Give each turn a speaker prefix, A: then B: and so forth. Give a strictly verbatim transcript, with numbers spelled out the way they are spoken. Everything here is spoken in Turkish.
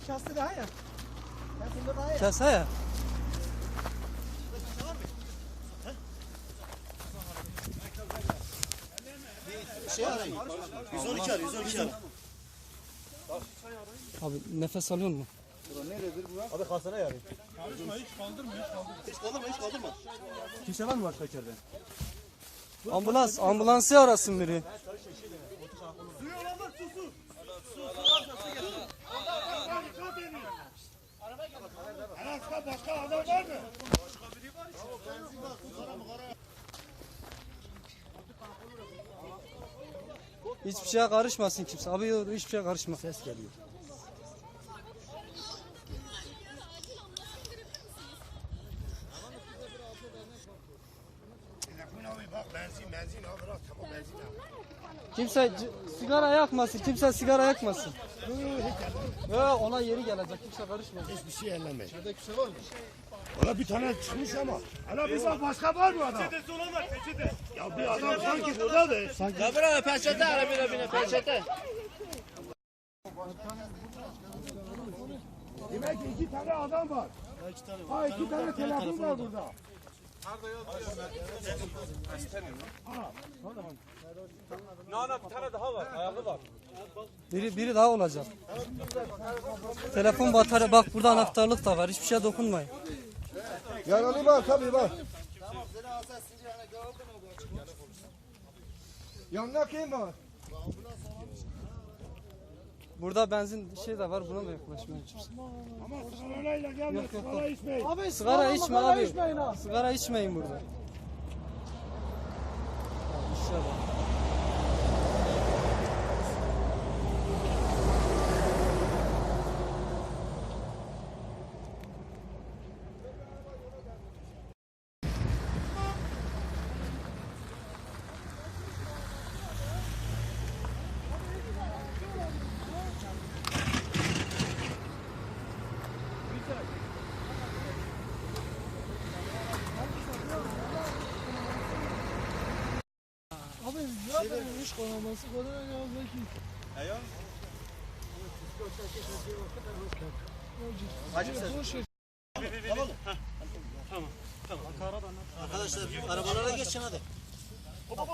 A: Kase daha ya. Kasında daha ya.
B: Kase ya.
C: Şey arayın. yüz on iki arayın, yüz on iki arayın.
B: Abi nefes alıyor mu?
C: Nerededir bu? Abi kasana yarayın.
A: Karışma hiç kaldırma hiç kaldırma.
C: Hiç kaldırma, hiç kaldırma.
A: Kimse var mı başka içeride?
B: Ambulans, ambulansı arasın biri.
A: Suyu olanlar su su. Arasında başka adam var mı? Başka biri var içeride.
B: Hiçbir şeye karışmasın kimse. Abi yok, hiçbir şeye karışma.
C: Ses geliyor.
A: Bak benzin benzin al bırak tamam benzin al.
B: Kimse sigara yakmasın. Kimse sigara yakmasın. Ya ona yeri gelecek. Kimse karışmasın.
C: Hiçbir şey ellemeyin.
A: İçeride kimse var mı? Valla bir tane çıkmış ama. Hala bir bak başka var mı adam? Peçetesi olan var peçete. Ya bir adam sanki burada da. Sanki.
D: Ya bırak peçete ara bile bile peçete.
A: Demek ki iki tane adam var. Ha iki tane telefon var burada.
B: Biri biri daha olacak. Telefon batarya bak burada anahtarlık da var. Hiçbir şeye dokunmayın.
C: Yaralı var tabii var. Yanına kim var?
B: Burada benzin şey de var. Buna da yaklaşmayın.
A: Ama sigarayla gelme,
B: Yok, yok,
A: sigara
B: yok.
A: içmeyin.
B: Abi sigara içme abi. Sigara içmeyin burada. İnşallah.
A: Abi ya benim iş konaması kadar ya belki.
C: Ayo. Tamam. Tamam. Arkadaşlar arabalara geçin hadi.